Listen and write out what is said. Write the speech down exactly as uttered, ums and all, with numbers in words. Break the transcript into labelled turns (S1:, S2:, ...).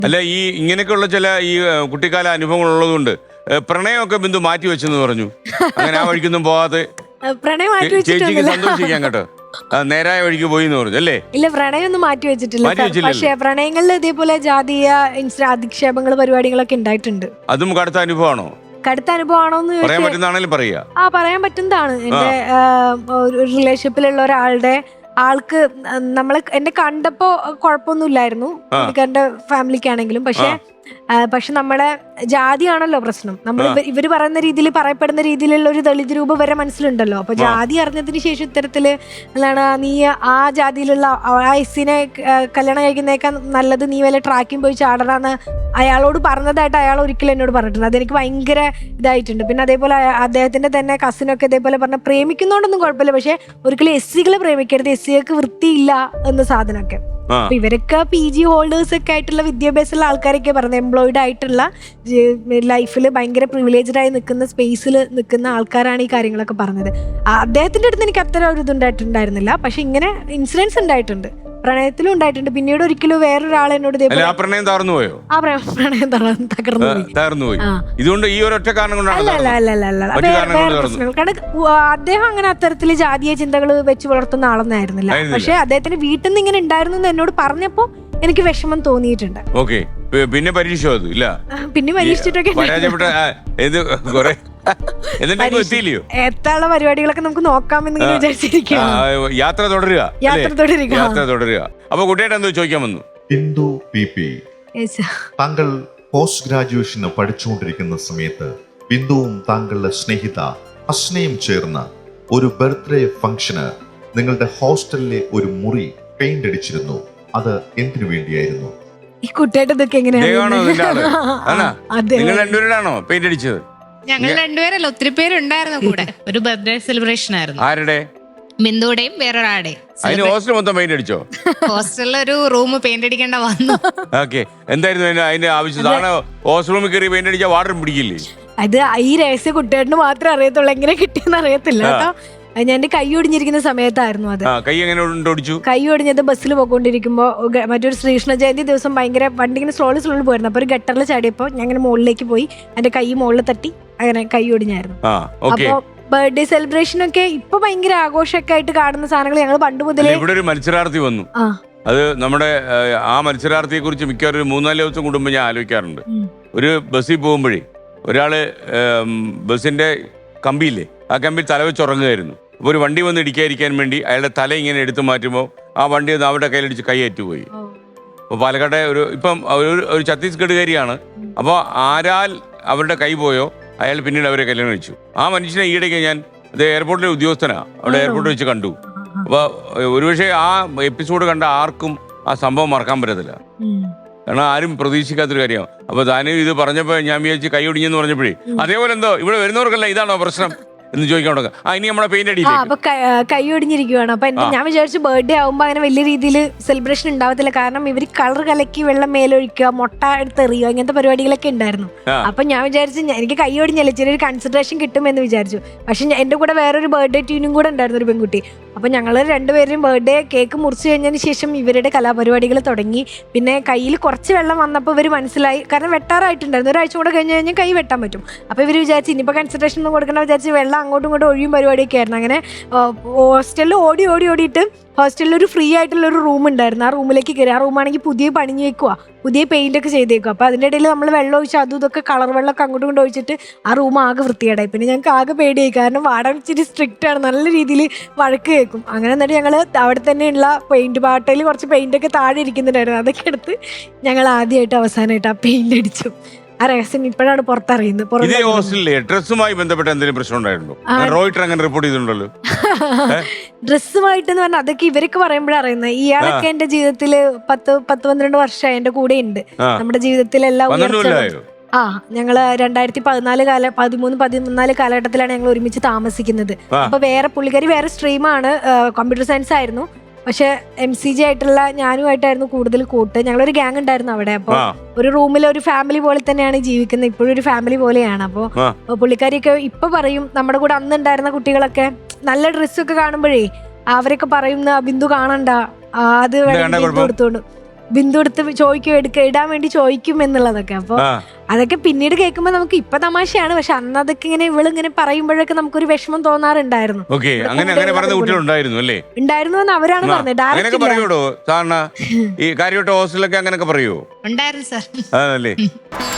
S1: അല്ല ഈ ഇങ്ങനെയൊക്കെയുള്ള ചില ഈ കുട്ടിക്കാല അനുഭവങ്ങൾ ഉള്ളതുകൊണ്ട് പ്രണയമൊക്കെ ബിന്ദു മാറ്റി വെച്ചെന്ന് പറഞ്ഞു. അങ്ങനെ ആ വഴിക്കൊന്നും പോവാതെ
S2: പ്രണയം മാറ്റി
S1: ചേച്ചിക്ക് സന്തോഷിക്കാൻ കേട്ടോ, നേരായ വഴിക്ക് പോയി എന്ന് പറഞ്ഞു അല്ലേ?
S2: ഇല്ല, പ്രണയം ഒന്നും മാറ്റി വെച്ചിട്ടില്ല. പക്ഷേ പ്രണയങ്ങളിൽ ഇതേപോലെ ജാതീയ അധിക്ഷേപങ്ങൾ പരിപാടികളൊക്കെ ഉണ്ടായിട്ടുണ്ട്.
S1: അതും കടുത്ത അനുഭവമാണോ?
S2: കടുത്ത അനുഭവമാണോന്ന്
S1: പറയാൻ പറ്റുന്നതാണെങ്കിലും പറയാ.
S2: ആ പറയാൻ പറ്റുന്നതാണ്. എന്റെ റിലേഷൻഷിപ്പിലുള്ള ഒരാളുടെ ആൾക്ക് നമ്മളെ എന്നെ കണ്ടപ്പോ കുഴപ്പമൊന്നുമില്ലായിരുന്നു, എന്റെ ഫാമിലിക്കാണെങ്കിലും. പക്ഷെ പക്ഷെ നമ്മളെ ജാതിയാണല്ലോ പ്രശ്നം. നമ്മൾ ഇവര് പറയുന്ന രീതിയിൽ പറയപ്പെടുന്ന രീതിയിലുള്ള ഒരു ദളിത് രൂപം വരെ മനസ്സിലുണ്ടല്ലോ. അപ്പൊ ജാതി അറിഞ്ഞതിന് ശേഷം ഇത്തരത്തില് എന്താണ് നീ ആ ജാതിയിലുള്ള ആ എസ്സിനെ കല്യാണം കഴിക്കുന്നേക്കാൾ നല്ലത് നീ വല്ല ട്രാക്കിങ് പോയി ചാടണമെന്ന് അയാളോട് പറഞ്ഞതായിട്ട് അയാൾ ഒരിക്കലും എന്നോട് പറഞ്ഞിട്ടുണ്ട്. അതെനിക്ക് ഭയങ്കര ഇതായിട്ടുണ്ട്. പിന്നെ അതേപോലെ അദ്ദേഹത്തിന്റെ തന്നെ കസിനൊക്കെ ഇതേപോലെ പറഞ്ഞ പ്രേമിക്കുന്നോണ്ടൊന്നും കുഴപ്പമില്ല, പക്ഷെ ഒരിക്കലും എസ് സികളെ പ്രേമിക്കരുത്, എസ് സികൾക്ക് വൃത്തിയില്ല എന്ന സാധനമൊക്കെ. അപ്പൊ ഇവരൊക്കെ പി ജി ഹോൾഡേഴ്സ് ഒക്കെ ആയിട്ടുള്ള വിദ്യാഭ്യാസമുള്ള ആൾക്കാരൊക്കെ പറഞ്ഞത് എംപ്ലോയിഡ് ആയിട്ടുള്ള ലൈഫിൽ ഭയങ്കര പ്രിവിലേജ്ഡ് ആയി നിൽക്കുന്ന സ്പേസിൽ നിൽക്കുന്ന ആൾക്കാരാണ് ഈ കാര്യങ്ങളൊക്കെ പറഞ്ഞത്. അദ്ദേഹത്തിന്റെ അടുത്ത് എനിക്ക് അത്ര ഒരു ഇതുണ്ടായിട്ടുണ്ടായിരുന്നില്ല. പക്ഷെ ഇങ്ങനെ ഇൻസിഡൻസ് ഉണ്ടായിട്ടുണ്ട്, പ്രണയത്തിലും ഉണ്ടായിട്ടുണ്ട്. പിന്നീട് ഒരിക്കലും വേറൊരാൾ എന്നോട്
S1: പ്രണയം തകർന്നു പോയോ?
S2: ആ പ്രണയം തകർന്നു
S1: തകർന്നു പോയി. ഇതുകൊണ്ട് ഈ ഒരൊറ്റ കാരണം കൊണ്ടാണ്?
S2: അല്ല അല്ല അല്ല അല്ല അല്ല വേറെ പ്രശ്നങ്ങൾ. കാരണം അദ്ദേഹം അങ്ങനെ അത്തരത്തില് ജാതീയ ചിന്തകൾ വെച്ച് വളർത്തുന്ന ആളൊന്നായിരുന്നില്ല. പക്ഷെ അദ്ദേഹത്തിന്റെ വീട്ടിൽ നിന്ന് ഇങ്ങനെ ഉണ്ടായിരുന്നു എന്ന് എന്നോട് പറഞ്ഞപ്പോ എനിക്ക് വിഷമം തോന്നിയിട്ടുണ്ട്.
S1: ഓക്കെ, പിന്നെ പരീക്ഷ ഇല്ല,
S2: പിന്നെ പരീക്ഷിച്ചിട്ടൊക്കെ എത്താനുള്ള പരിപാടികളൊക്കെ നമുക്ക് നോക്കാമെന്ന് വിചാരിച്ചിരിക്കും.
S1: യാത്ര തുടരുക,
S2: യാത്ര തുടരുക,
S1: യാത്ര തുടരുക. അപ്പൊ കുട്ടിയായിട്ട് എന്തോ ചോദിക്കാൻ വന്നു.
S3: ബിന്ദു പി പി, താങ്കൾ പോസ്റ്റ് ഗ്രാജുവേഷന് പഠിച്ചുകൊണ്ടിരിക്കുന്ന സമയത്ത് ബിന്ദുവും താങ്കളുടെ സ്നേഹിത അസ്നയും ചേർന്ന് ഒരു ബർത്ത്ഡേ ഫംഗ്ഷന് നിങ്ങളുടെ ഹോസ്റ്റലിലെ ഒരു മുറി പെയിന്റ് അടിച്ചിരുന്നു. അത് എന്തിനു വേണ്ടിയായിരുന്നു?
S2: ഈ കുട്ടിയായിട്ട് ഇതൊക്കെ എങ്ങനെയാണോ?
S1: നിങ്ങൾ രണ്ടുപേരാണോ പെയിന്റ് അടിച്ചത്?
S4: ഞങ്ങൾ രണ്ടുപേരല്ല, ഒത്തിരി പേരുണ്ടായിരുന്നു കൂടെ. ഒരു ബർത്ത്ഡേ സെലിബ്രേഷൻ ആയിരുന്നു.
S1: ആരുടെ?
S4: ബിന്ദുടെയും വേറൊരാളുടെയും.
S1: അതിന് ഹോസ്റ്റൽ മൊത്തം പെയിന്റ് അടിച്ചോ?
S4: ഹോസ്റ്റലിൽ ഒരു റൂം പെയിന്റ് അടിക്കേണ്ട വന്നു.
S1: ഓക്കെ, എന്തായിരുന്നു അതിന്റെ ആവശ്യം? ഹോസ്റ്റൽ റൂമിൽ കയറി പെയിന്റ് അടിച്ചാൽ വാട്ടർ പിടിക്കില്ലേ?
S2: അത് ഈ രഹസ്യ കുട്ടിയേട്ടന് മാത്രമേ അറിയത്തുള്ളൂ, എങ്ങനെ കിട്ടിയെന്ന് അറിയത്തില്ല കേട്ടോ. ഞാൻ എന്റെ കൈ ഒടിഞ്ഞിരിക്കുന്ന സമയത്തായിരുന്നു അത്.
S1: കൈ എങ്ങനെ ഒടിച്ചു?
S2: കൈ ഒടിഞ്ഞത് ബസ്സിൽ പോയിക്കൊണ്ടിരിക്കുമ്പോ മറ്റൊരു ശ്രീകൃഷ്ണ ജയന്തി ദിവസം ഭയങ്കര വണ്ടി ഇങ്ങനെ സ്ലോളി സ്ലോളി പോയിരുന്നു. അപ്പൊ ഒരു ഗട്ടറിൽ ചാടിയപ്പോ ഞാൻ ഇങ്ങനെ മുകളിലേക്ക് പോയി, എന്റെ കൈ മുകളിൽ തട്ടി, അങ്ങനെ കൈ ഒടിഞ്ഞായിരുന്നു. അപ്പൊ ബർത്ത്ഡേ സെലിബ്രേഷൻ ഒക്കെ ഇപ്പൊ ഭയങ്കര ആഘോഷമൊക്കെ ആയിട്ട് കാണുന്ന സാധനങ്ങൾ ഞങ്ങൾ പണ്ട് മുതലേ.
S1: ഇവിടെ ഒരു മത്സരാർത്ഥി വന്നു, അത് നമ്മുടെ ആ മത്സരാർത്ഥിയെ കുറിച്ച് മിക്കവാറും ഒരു മൂന്നാല് ദിവസം കൂടുമ്പോ ഞാൻ ആലോചിക്കാറുണ്ട്. ഒരു ബസ്സിൽ പോകുമ്പോഴേ ഒരാള് ബസ്സിന്റെ കമ്പിയില്ലേ, ആ കമ്പിയിൽ തല വെച്ച് ഉറങ്ങുകയായിരുന്നു. അപ്പോൾ ഒരു വണ്ടി വന്ന് ഇടിക്കാതിരിക്കാൻ വേണ്ടി അയാളുടെ തല ഇങ്ങനെ എടുത്തു മാറ്റുമ്പോൾ ആ വണ്ടി ഒന്ന് അവരുടെ കയ്യിലടിച്ച് കൈ ഏറ്റുപോയി. അപ്പോൾ പാലക്കാട്ടെ ഒരു ഇപ്പം ഒരു ഛത്തീസ്ഗഡുകാരിയാണ്. അപ്പോൾ ആരാൽ അവരുടെ കൈ പോയോ അയാൾ പിന്നീട് അവരെ കല്യാണം കഴിച്ചു. ആ മനുഷ്യനെ ഈയിടയ്ക്ക് ഞാൻ അത് എയർപോർട്ടിലെ ഉദ്യോഗസ്ഥനാണ്, അവിടെ എയർപോർട്ടിൽ വെച്ച് കണ്ടു. അപ്പോൾ ഒരുപക്ഷെ ആ എപ്പിസോഡ് കണ്ട ആർക്കും ആ സംഭവം മറക്കാൻ പറ്റത്തില്ല, കാരണം ആരും പ്രതീക്ഷിക്കാത്തൊരു കാര്യമാണ്. അപ്പൊ താനും ഇത് പറഞ്ഞപ്പോ ഞാൻ വിചാരിച്ച് കൈ ഒടിഞ്ഞെന്ന് പറഞ്ഞപ്പോഴേ അതേപോലെ എന്തോ ഇവിടെ വരുന്നവർക്കല്ല ഇതാണോ പ്രശ്നം എന്ന് ചോദിക്കാൻ തുടങ്ങും. ആ ഇനി നമ്മളെ പെയിന്റ് അടിയില്ല.
S2: അപ്പൊ കൈ ഒടിഞ്ഞിരിക്കുവാണ്. അപ്പൊ ഞാൻ വിചാരിച്ചു ബർത്ത്ഡേ ആവുമ്പോ അങ്ങനെ വലിയ രീതിയിൽ സെലിബ്രേഷൻ ഉണ്ടാവത്തില്ല, കാരണം ഇവര് കളർ കലക്കി വെള്ളം മേലൊഴിക്കുക, മുട്ട എടുത്തെറിയുക, ഇങ്ങനത്തെ പരിപാടികളൊക്കെ ഉണ്ടായിരുന്നു. അപ്പൊ ഞാൻ വിചാരിച്ചു എനിക്ക് കൈ ഒടിഞ്ഞല്ലേ ചെറിയൊരു കൺസിഡറേഷൻ കിട്ടുമെന്ന് വിചാരിച്ചു. പക്ഷെ എന്റെ കൂടെ വേറൊരു ബർത്ത്ഡേ ട്യൂനും കൂടെ ഉണ്ടായിരുന്നു, ഒരു പെൺകുട്ടി. അപ്പൊ ഞങ്ങള് രണ്ടുപേരും ബർത്ത്ഡേ കേക്ക് മുറിച്ചു കഴിഞ്ഞതിന് ശേഷം ഇവരുടെ കലാപരിപാടികൾ തുടങ്ങി. പിന്നെ കയ്യിൽ കുറച്ച് വെള്ളം വന്നപ്പോൾ ഇവർ മനസ്സിലായി, കാരണം വെട്ടാറായിട്ടുണ്ടായിരുന്നു, ഒരാഴ്ച കൂടെ കഴിഞ്ഞ് കഴിഞ്ഞാൽ കൈ വെട്ടാൻ പറ്റും. അപ്പൊ ഇവർ വിചാരിച്ചു ഇനിയിപ്പോൾ കൺസിഡറേഷൻ ഒന്നും കൊടുക്കണമെന്ന് വിചാരിച്ച് വെള്ളം അങ്ങോട്ടും ഇങ്ങോട്ടും ഒഴിയും പരിപാടിയൊക്കെ ആയിരുന്നു. അങ്ങനെ ഹോസ്റ്റലിൽ ഓടി ഓടി ഓടിയിട്ട് ഹോസ്റ്റലിൽ ഒരു ഫ്രീ ആയിട്ടുള്ള ഒരു റൂം ഉണ്ടായിരുന്നു, ആ റൂമിലേക്ക് കയറി. ആ റൂമാണെങ്കിൽ പുതിയ പണിഞ്ഞു വെക്കുക, പുതിയ പെയിന്റ് ഒക്കെ ചെയ്തേക്കുക. അപ്പൊ അതിന്റെ ഇടയിൽ നമ്മൾ വെള്ളം ഒഴിച്ച് അതും ഇതൊക്കെ കളർ വെള്ളമൊക്കെ അങ്ങോട്ടും കൊണ്ട് ഒഴിച്ചിട്ട് ആ റൂം ആകെ വൃത്തികേടായി. പിന്നെ ഞങ്ങൾക്ക് ആകെ പേടിയായി, കാരണം വാടക ഇച്ചിരി സ്ട്രിക്റ്റ് ആണ്, നല്ല രീതിയിൽ വഴക്ക് കേൾക്കും. അങ്ങനെ എന്നിട്ട് ഞങ്ങൾ അവിടെ തന്നെയുള്ള പെയിന്റ് പാട്ടയിൽ കുറച്ച് പെയിന്റ് ഒക്കെ താഴെ ഇരിക്കുന്നുണ്ടായിരുന്നു, അതൊക്കെ എടുത്ത് ഞങ്ങൾ ആദ്യമായിട്ട് അവസാനമായിട്ട് ആ പെയിന്റ് അടിച്ചു. ആ രഹസ്യം ഇപ്പോഴാണ് പുറത്തറിയുന്നത്.
S1: ഡ്രസ്സുമായി ബന്ധപ്പെട്ട എന്തെങ്കിലും പ്രശ്നം ഉണ്ടായിട്ടുണ്ടോ? റോയിട്ടർ അങ്ങനെ റിപ്പോർട്ട് ചെയ്തിട്ടുണ്ടല്ലോ.
S2: ഡ്രസ്സുമായിട്ട് എന്ന് പറഞ്ഞാൽ അതൊക്കെ ഇവരൊക്കെ പറയുമ്പോഴാണ് അറിയുന്നത്. ഇയാളൊക്കെ എന്റെ ജീവിതത്തില് പത്ത് പത്ത് പന്ത്രണ്ട് വർഷമായി എന്റെ കൂടെ ഉണ്ട്. നമ്മുടെ ജീവിതത്തിലെല്ലാം ആ ഞങ്ങള് രണ്ടായിരത്തി പതിനാല് കാല പതിമൂന്ന് പതിനാല് കാലഘട്ടത്തിലാണ് ഞങ്ങൾ ഒരുമിച്ച് താമസിക്കുന്നത്. അപ്പൊ വേറെ പുള്ളിക്കാരി വേറെ സ്ട്രീമാണ്, കമ്പ്യൂട്ടർ സയൻസ് ആയിരുന്നു. പക്ഷെ എം സി ജി ആയിട്ടുള്ള ഞാനുമായിട്ടായിരുന്നു കൂടുതൽ കൂട്ട്. ഞങ്ങളൊരു ഗ്യാങ് ഉണ്ടായിരുന്നു അവിടെ. അപ്പൊ ഒരു റൂമിൽ ഒരു ഫാമിലി പോലെ തന്നെയാണ് ജീവിക്കുന്നത്, ഇപ്പോഴും ഒരു ഫാമിലി പോലെയാണ്. അപ്പൊ പുള്ളിക്കാരിയൊക്കെ ഇപ്പൊ പറയും, നമ്മുടെ കൂടെ അന്ന് ഉണ്ടായിരുന്ന കുട്ടികളൊക്കെ നല്ല ഡ്രസ്സൊക്കെ കാണുമ്പോഴേ അവരൊക്കെ പറയുന്ന ബിന്ദു കാണണ്ട, അത് കൊടുത്തോണ്ട് ബിന്ദു എടുത്ത് ചോദിക്കും എടുക്ക ഇടാൻ വേണ്ടി ചോദിക്കും എന്നുള്ളതൊക്കെ. അപ്പൊ
S1: ആ.
S2: അതൊക്കെ പിന്നീട് കേൾക്കുമ്പോ നമുക്ക് ഇപ്പൊ തമാശയാണ്, പക്ഷെ അന്ന് അതൊക്കെ ഇങ്ങനെ ഇവള് ഇങ്ങനെ പറയുമ്പോഴൊക്കെ നമുക്കൊരു വിഷമം തോന്നാറുണ്ടായിരുന്നു.
S1: ഓക്കെ, അങ്ങനെ അങ്ങനെ പറയുന്ന കുട്ടികളുണ്ടായിരുന്നു അല്ലേ?
S2: ഉണ്ടായിരുന്നു എന്ന് അവരാണ് പറഞ്ഞത്.
S1: അങ്ങനെയൊക്കെ
S2: ഡയറക്റ്റ്
S1: പറയൂടോ സാറിന് ഈ കാര്യമായിട്ട് ഹോസ്റ്റലിലൊക്കെ അങ്ങനെയൊക്കെ പറയുവോ?
S4: ഉണ്ടായിരുന്നു സാർ.
S1: അതല്ലേ